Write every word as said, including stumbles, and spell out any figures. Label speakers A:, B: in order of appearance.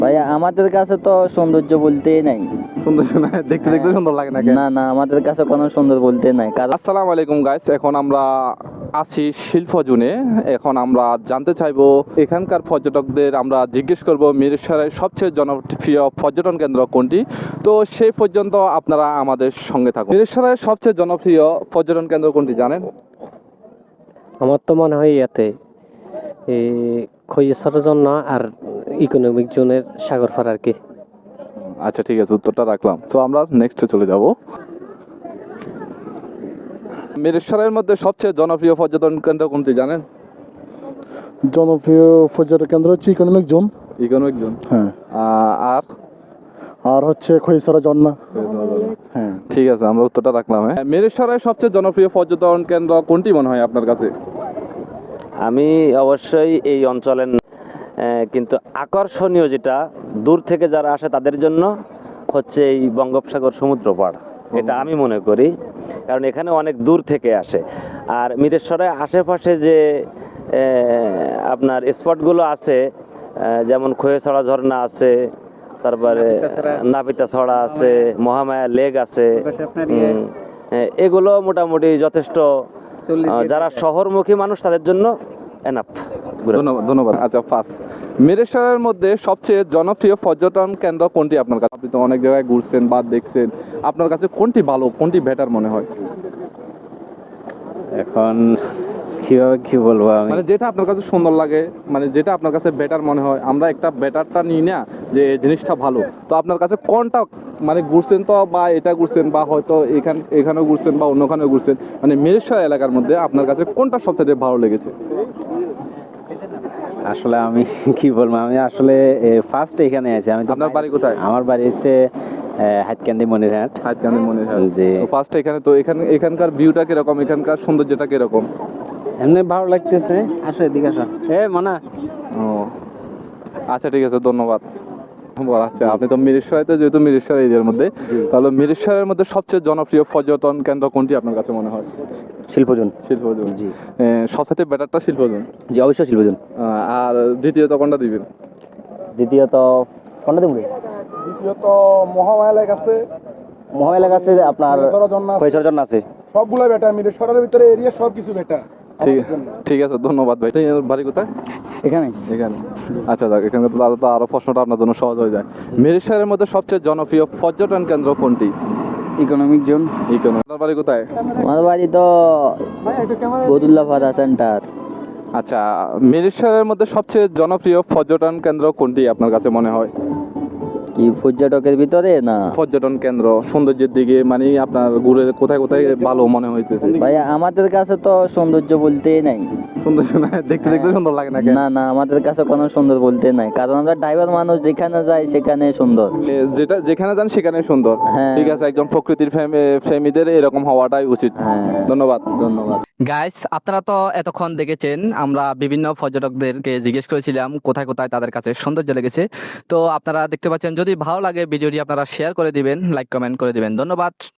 A: ভাইয়া আমাদের কাছে তো সৌন্দর্য বলতেই নাই।
B: সুন্দর না দেখতে দেখতে সুন্দর লাগে নাকি?
A: না না আমাদের কাছে কোনো সুন্দর বলতে নাই, কারণ
B: আসসালামু আলাইকুম গাইস, এখন আমরা আছি শিল্প জোনে। এখন আমরা জানতে চাইবো এখানকার পর্যটকদের, আমরা জিজ্ঞেস করব মিরসরাইয়ের সবচেয়ে জনপ্রিয় পর্যটন কেন্দ্র কোনটি। তো সেই পর্যন্ত আপনারা আমাদের সঙ্গে থাকুন। মিরসরাইয়ের সবচেয়ে জনপ্রিয় পর্যটন কেন্দ্র কোনটি জানেন?
C: আমার তো মনে হয় ইয়াতে এই খৈয়াছড়ার জন্য আর ইকোনমিক জোনের সাগরপাড় আর কি।
B: আচ্ছা ঠিক আছে, উত্তরটা রাখলাম। তো আমরা নেক্সটে চলে যাব। মিরসরাইয়ের মধ্যে সবচেয়ে জনপ্রিয় পর্যটন কেন্দ্র কোনটি জানেন?
D: জনপ্রিয় পর্যটন কেন্দ্র হচ্ছে ইকোনমিক জোন।
B: Economic zone.
D: হ্যাঁ,
B: আহ, আর
D: আর হচ্ছে খৈসরা ঝর্ণা। হ্যাঁ,
B: ঠিক আছে, আমরা উত্তরটা রাখলাম। হ্যাঁ, মিরসরাইয়ের সবচেয়ে জনপ্রিয় পর্যটন কেন্দ্র কোনটি মনে হয় আপনার কাছে?
E: আমি অবশ্যই এই অঞ্চলের আহ, কিন্তু আকর্ষণীয় যেটা দূর থেকে যারা আসে তাদের জন্য হচ্ছে এই বঙ্গোপসাগর সমুদ্র পাড়। এটা আমি মনে করি, কারণ এখানে অনেক দূর থেকে আসে। আর মিরেশ্বরের আশেপাশে যে আহ, আপনার স্পটগুলো আছে, আহ, যেমন খোয়েছড়া ঝর্ণা আছে, তারপরে নাপিতা ছড়া আছে, মহামায়া লেক আছে, উম, এগুলো মোটামুটি যথেষ্ট আহ, যারা শহরমুখী মানুষ তাদের জন্য এনাফ।
B: ধন্যবাদ ধন্যবাদ আচ্ছা, পাঁচ। মিরসরাইয়ের মধ্যে সবচেয়ে জনপ্রিয় পর্যটন কেন্দ্র কোনটি আপনার কাছে? আপনি তো অনেক জায়গায় ঘুরছেন বা দেখছেন, আপনার কাছে কোনটি ভালো, কোনটি বেটার মনে হয়?
C: এখন কিভাবে কি বলবো আমি,
B: মানে যেটা আপনার কাছে সুন্দর লাগে, মানে যেটা আপনার কাছে বেটার মনে হয়। আমরা একটা বেটারটা নিই না, যে এই জিনিসটা ভালো। তো আপনার কাছে কোনটা, মানে ঘুরছেন তো বা এটা ঘুরছেন বা হয়তো এখান এখানেও ঘুরছেন বা অন্যখানেও ঘুরছেন, মানে মিরসরাই এলাকার মধ্যে আপনার কাছে কোনটা সবচেয়ে ভালো লেগেছে?
F: আসলে আমি কি বলবো, আমি আসলে ফার্স্ট এখানে আছি। আমি তো
B: আপনার বাড়ি কোথায়?
F: আমার বাড়ি হচ্ছে হাতকান্দি মনিরহাট।
B: হাতকান্দি মনে হয়
F: জি।
B: তো ফার্স্ট এখানে, তো এখানে এখানকার ভিউটা কিরকম, এখানকার সৌন্দর্যটা কিরকম?
F: এমনি ভালো লাগতেছে। আসো এদিকে আসো, এ মানা।
B: ও আচ্ছা ঠিক আছে, ধন্যবাদ। বল, আচ্ছা আপনি তো মিরসরাইতে, যেহেতু মিরসরাই এরিয়ার মধ্যে, তাহলে মিরসরাইয়ের মধ্যে সবচেয়ে জনপ্রিয় পর্যটন কেন্দ্র কোনটি আপনার কাছে মনে হয়?
F: শিল্পজন।
B: শিল্পজন।
F: জি
B: সবচেয়ে বেটারটা শিল্পজন।
F: জি, অবশ্যই শিল্পজন।
B: আহ, আর দ্বিতীয়ত কোনটা দিবেন?
F: দ্বিতীয়ত কোনটা দেবো?
D: দ্বিতীয়ত মহামায়া লেক আছে,
F: মহামেলা কাছে আপনার
D: খৈসরা ঝর্ণা আছে।
F: খৈসর জন্য আছে।
D: সবগুলো বেটা মিলে শহরের ভিতরে এরিয়া সব কিছু বেটা।
B: ঠিক ঠিক আছে, ধন্যবাদ ভাই। এই বাড়ি কোথায়?
F: এখানে
B: এখানে। আচ্ছা যাক, এখানে তো আরো তো আরো প্রশ্নটা আপনার জন্য সহজ হয়ে যায়। মিরসরাইয়ের মধ্যে সবচেয়ে জনপ্রিয় পর্যটন কেন্দ্র কোনটি?
A: Economic zone.
B: ইকোনমি। আপনার বাড়ি কোথায়?
A: আমার বাড়ি তো বদুল্লাপাড়া সেন্টার।
B: আচ্ছা, মিরসরাইয়ের মধ্যে সবচেয়ে জনপ্রিয় পর্যটন কেন্দ্র কোনটি আপনার কাছে মনে হয়?
A: কি পর্যটকের ভিতরে না?
B: পর্যটন কেন্দ্র সৌন্দর্যের দিকে, মানে আপনার ঘুরে কোথায় কোথায় ভালো মনে হইতেছে?
A: ভাইয়া আমাদের কাছে তো সৌন্দর্য বলতেই নাই।
B: সৌন্দর্য না দেখতে দেখতে সুন্দর লাগে নাকি?
A: না না আমাদের কাছে কোনো সুন্দর বলতে নাই, কারণ আমরা ড্রাইভার মানুষ, যেখানে যাই সেখানে সুন্দর।
B: এ, যেটা যেখানে যান সেখানে সুন্দর।
A: হ্যাঁ।
B: ঠিক আছে, একজন প্রকৃতির প্রেমী- প্রেমীদের এরকম হওয়াটাই উচিত।
A: হ্যাঁ,
B: ধন্যবাদ।
A: ধন্যবাদ।
G: গাইস, আপনারা তো এতক্ষণ দেখেছেন আমরা বিভিন্ন পর্যটকদেরকে জিজ্ঞেস করেছিলাম কোথায় কোথায় তাদের কাছে সৌন্দর্য লেগেছে। তো আপনারা দেখতে পাচ্ছেন, যদি ভালো লাগে ভিডিওটি আপনারা শেয়ার করে দিবেন, লাইক কমেন্ট করে দিবেন। ধন্যবাদ।